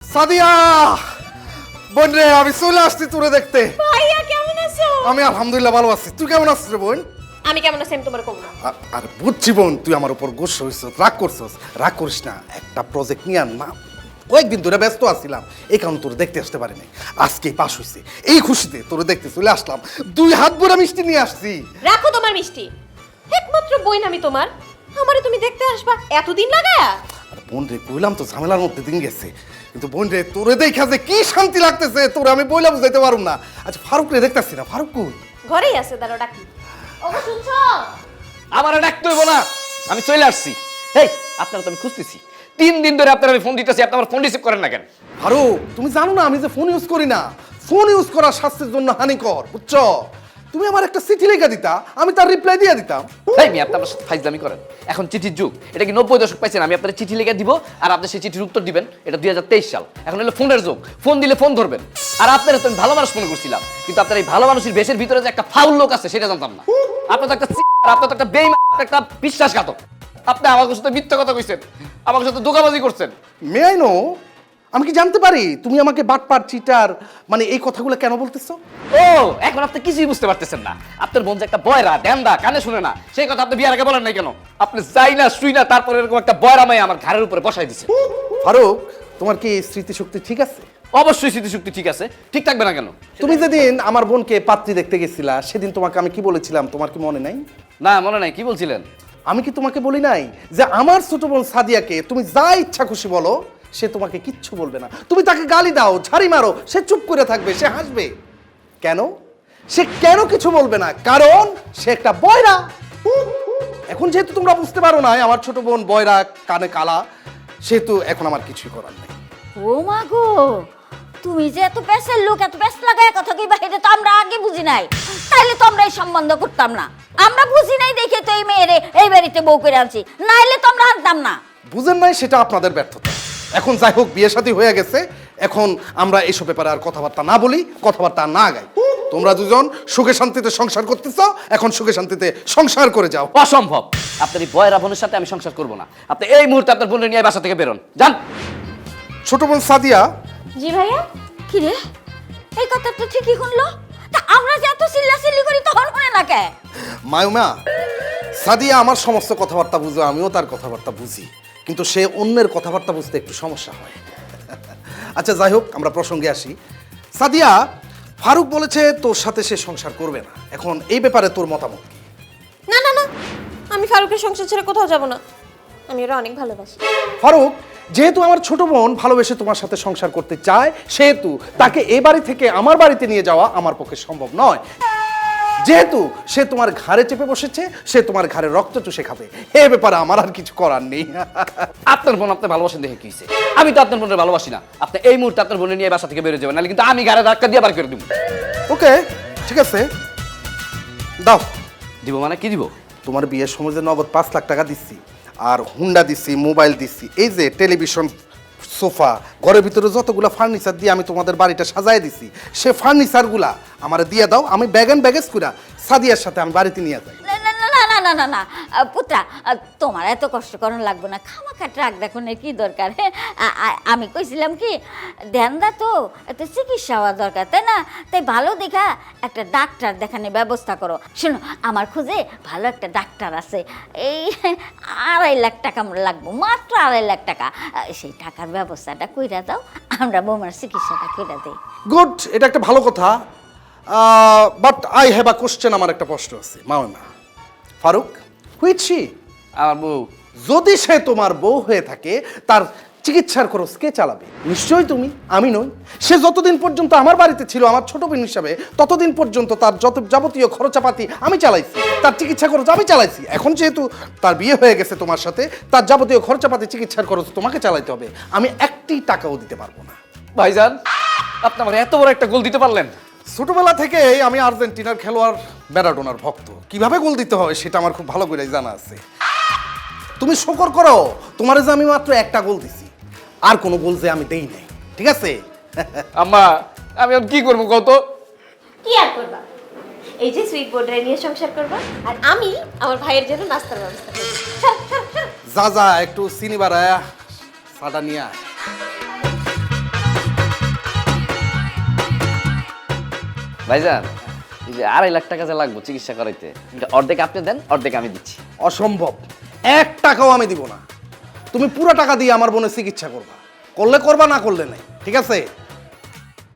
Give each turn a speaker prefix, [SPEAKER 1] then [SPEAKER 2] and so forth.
[SPEAKER 1] সাদিয়া বোন রে, আমি চলে আসছি তোরে দেখতে।
[SPEAKER 2] ভাইয়া কেমন আছো?
[SPEAKER 1] আমি আলহামদুলিল্লাহ ভালো আছি। তুই কেমন আছিস রে বোন?
[SPEAKER 2] আমি কেমন আছি আমি তোমার কব না।
[SPEAKER 1] আর বুঝছি বোন, তুই আমার উপর গোসা হইছিস, রাগ করছিস। রাগ করিস না, একটা প্রজেক্ট নিয়ে না কয়েকদিন ধরে ব্যস্ত আছিলাম, এই কারণে তোরে দেখতে আসতে পারিনি। আজকেই পাস হইছে, এই খুশিতে তোরে দেখতে চলে আসলাম। 2 হাত ভরা মিষ্টি নিয়ে আসছি।
[SPEAKER 2] রাখো তোমার মিষ্টি, একমাত্র বোন আমি তোমার, আমারে তুমি দেখতে আসবা এতদিন লাগায়া?
[SPEAKER 1] আর বোন রে, কইলাম তো ঝামেলার মধ্যে দিন গেছে, কিন্তু বোন রে তোরে দেখা যে কি শান্তি লাগতেছে তোরে আমি বইলা বুঝাইতে পারুম না। আচ্ছা ফারুক রে দেখতাছি না, ফারুক কই?
[SPEAKER 2] ঘরেই আছে, দাঁড়াও ডাকি। ওগো শুনছো?
[SPEAKER 3] আমার ডাকতে হইব না, আমি চলে আসছি। এই আপনারা তো আমি খুঁজতেছি 3 দিন ধরে, আপনারা আমি ফোন দিতেছি, আপনি আমার ফোন রিসিভ করেন না কেন?
[SPEAKER 1] ফারুক, তুমি জানো না আমি যে ফোন ইউজ করি না। ফোন ইউজ করা স্বাস্থ্যের জন্য হানিকর, বুঝছো? তুমি আমার একটা চিঠি লেখা দিতা, আমি তার রিপ্লাই দিয়ে দিতাম।
[SPEAKER 3] এই মেয়ে, আপনি আমার সাথে ফাইজলামি করেন। এখন চিঠির যুগ, এটা কি 90 দশক পাইছেন? আমি আপনার চিঠি লিখে দিব আর আপনি সেই চিঠির উত্তর দিবেন। এটা 2023 সাল, এখন হলো ফোনের যুগ। ফোন দিলে ফোন ধরবেন। আর আপনারা তো আমি ভালো মানুষ মনে করছিলাম, কিন্তু আপনার এই ভালো মানুষের বেশের ভিতরে যে একটা ফাউল লোক আছে সেটা জানতাম না। আপনার তো একটা আপনার তো একটা বেঈমান, একটা বিশ্বাসঘাতক। আপনি আমার সাথে মিথ্যা কথা কইছেন, আমার সাথে ধোঁকাবাজি করছেন।
[SPEAKER 1] মে আই নো, আমি কি জানতে পারি তুমি আমাকে বাটপার, চিটার, মানে এই কথাগুলো কেন বলতেছো?
[SPEAKER 3] ও, এখন আপনি কিছুই বুঝতে পারতেছেন না। আপনার বোন যে একটা বয়রা, ড্যান্দা, কানে শুনে না, সেই কথা আপনি বিয়ার আগে বলেন নাই কেন? আপনি যাই না শুই না, তারপরে এরকম একটা বয়রা মাই আমার ঘাড়ের উপরে বসাই দিছে।
[SPEAKER 1] ফারুক, তোমার কি স্মৃতিশক্তি ঠিক আছে?
[SPEAKER 3] অবশ্যই স্মৃতিশক্তি ঠিক আছে, ঠিক থাকবে না কেন?
[SPEAKER 1] তুমি যেদিন আমার বোনকে পাত্রী দেখতে গেছিলা, সেদিন তোমাকে আমি কি বলেছিলাম তোমার কি মনে নাই?
[SPEAKER 3] না, মনে নাই। কি বলছিলেন?
[SPEAKER 1] আমি কি তোমাকে বলি নাই যে আমার ছোট বোন সাদিয়াকে তুমি যা ইচ্ছা খুশি বলো, সে তোমাকে কিচ্ছু বলবে না। তুমি তাকে গালি দাও, ঝাড়ি মারো, সে চুপ করে থাকবে, সে হাসবে। কেন? সে কেন কিছু বলবে না? কারণ সে একটা বয়রা। এখন যেহেতু তোমরা বুঝতে পারো না আমার ছোট বোন বয়রা, কানে কালা, সেহেতু এখন আমার কিছুই করার নেই।
[SPEAKER 4] ও মা গো, তুমি যে এত পেশের লোক, এত পেশ লাগায় কথা কইবা, এটা তো আমরা আগে বুঝি নাই। তাইলে তো আমরা এই সম্বন্ধ করতাম না। আমরা বুঝি নাই দেখে তো এই মেয়েরে এই বাড়িতে বউ করে আনছি, নাইলে তো আমরা আনতাম না।
[SPEAKER 1] বুঝেন নাই, সেটা আপনাদের ব্যর্থতা। এখন যাই হোক, বিয়ে শাদী হয়ে গেছে, এখন আমরা এইসব ব্যাপারে আর কথাবার্তা না বলি, কথাবার্তা না গাই। তোমরা দুজন সুখে শান্তিতে সংসার করতেছ, এখন সুখে শান্তিতে সংসার করে যাও।
[SPEAKER 3] অসম্ভব। আপনার এই বয়রা বোনের সাথে আমি সংসার করব না। আপনি এই মুহূর্তে আপনার বোনের নিয়ে বাসা থেকে বেরোন, যান।
[SPEAKER 1] ছোট বোন সাদিয়া,
[SPEAKER 2] জি ভাইয়া।
[SPEAKER 4] কি রে, এই কথা তো ঠিকই শুনলো। তা আমরা যে এত চিল্লাচিল্লি করি তখন শুনে না কে?
[SPEAKER 1] মায়ুমা, সাদিয়া আমার সমস্ত কথাবার্তা বুঝে, আমিও তার কথাবার্তা বুঝি, কিন্তু সে অন্যের কথাবার্তা বুঝতে একটু সমস্যা হয়। আচ্ছা যাই হোক, আমরা প্রসঙ্গে আসি। সাদিয়া, ফারুক বলেছে তোর সাথে সে সংসার করবে না, এখন এই ব্যাপারে তোর মতামত কি?
[SPEAKER 2] না না না, আমি ফারুকের সংসার ছেড়ে কোথাও যাব না, আমি ওরা অনেক ভালোবাসি।
[SPEAKER 1] ফারুক, যেহেতু আমার ছোট বোন ভালোবেসে তোমার সাথে সংসার করতে চায়, সেহেতু তাকে এই বাড়ি থেকে আমার বাড়িতে নিয়ে যাওয়া আমার পক্ষে সম্ভব নয়। যেহেতু সে তোমার ঘাড়ে চেপে বসেছে, সে তোমার ঘাড়ে রক্ত চুষে খাবে, এ ব্যাপারে আমার আর কিছু করার নেই।
[SPEAKER 3] আপনার বোন আপনি ভালোবাসেন দেখে কি হইছে? আমি তো আপনার বোনের ভালোবাসি না। আপনি এই মুহূর্তে আপনার বোনের নিয়ে বাসা থেকে বেরিয়ে যাবেন, নাহলে কিন্তু আমি ঘাড়ে ধাক্কা দিয়ে বার করে দিব।
[SPEAKER 1] ওকে, ঠিক আছে, দাও।
[SPEAKER 3] দিব মানে কি দিব?
[SPEAKER 1] তোমার বিয়ের সময় যে নগদ 5 লাখ টাকা দিচ্ছি, আর হুন্ডা দিচ্ছি, মোবাইল দিচ্ছি, এই যে টেলিভিশন, সোফা, ঘরের ভিতরে যতগুলা ফার্নিচার দিয়ে আমি তোমাদের বাড়িটা সাজায় দিছি, সে ফার্নিচারগুলা আমার দিয়ে দাও। আমি ব্যাগ অ্যান্ড ব্যাগেজ কইরা সাদিয়ার সাথে আমি বাড়িতে নিয়ে যাই।
[SPEAKER 4] না না না না না না না, পুত্রা, তোমার এত কষ্ট করার লাগবে না। খামাখা ট্রাক দেখুন কি দরকার? আমি কইছিলাম কি, ধ্যানদা তো এত চিকিৎসা হওয়া দরকার, তাই না? তাই ভালো দেখা একটা ডাক্তার দেখানোর ব্যবস্থা করো। শোনো, আমার খুঁজে ভালো একটা ডাক্তার আছে, এই 2.5 লাখ টাকা লাগবো, মাত্র 2.5 লাখ টাকা। সেই টাকার ব্যবস্থাটা কইরা দাও, আমরা বৌমার চিকিৎসাটা কইরা দিই।
[SPEAKER 1] গুড, এটা একটা ভালো কথা, but I have a question. আমার একটা প্রশ্ন আছে মামা। Faruk, which she?
[SPEAKER 3] আমার বউ।
[SPEAKER 1] যদি সে তোমার বউ হয়ে থাকে, তার চিকিৎসার খরচ কে চালাবে? নিশ্চয়ই তুমি, আমি নই। সে যতদিন পর্যন্ত আমার বাড়িতে ছিল আমার ছোট বোন হিসাবে, ততদিন পর্যন্ত তার যত যাবতীয় খরচাপাতি আমি চালাইছি, তার চিকিৎসা খরচ আমি চালাইছি। এখন যেহেতু তার বিয়ে হয়ে গেছে তোমার সাথে, তার যাবতীয় খরচাপাতি, চিকিৎসার খরচ তোমাকে চালাইতে হবে। আমি একটি টাকাও দিতে পারবো না।
[SPEAKER 3] ভাইজান, আপনি আমার এত বড় একটা গোল দিতে পারলেন।
[SPEAKER 1] ছোটবেলা থেকেই আমি আর্জেন্টিনার খেলোয়াড় ম্যারাডোনার ভক্ত। কিভাবে গোল দিতে হয় সেটা আমার খুব ভালো করে জানা আছে। তুমি শুকর করো, তোমার যে আমি মাত্র একটা গোল দিছি, আর কোনো গোল যে আমি দেই নাই, ঠিক আছে?
[SPEAKER 3] আম্মা, আমি আর কি করবো কত?
[SPEAKER 2] কি আর করবা, এই যে সুইট বোর্ডে নিয়ে সংসার করবা, আর আমি আমার ভাইয়ের জন্য নাস্তার ব্যবস্থা করব।
[SPEAKER 1] যা যা, একটু চিনি বাড়ায়া সাটা নিয়ে আয়।
[SPEAKER 3] ভাইজান এই যে 2.5 লাখ টাকা যা লাগবে চিকিৎসা করাইতে, এটা অর্ধেক আপনি দেন, অর্ধেক আমি দিচ্ছি।
[SPEAKER 1] অসম্ভব, 1 টাকাও আমি দিব না। তুমি পুরো টাকা দিয়ে আমার বোনের চিকিৎসা করবা, করলে করবা, না করলে নাই, ঠিক আছে?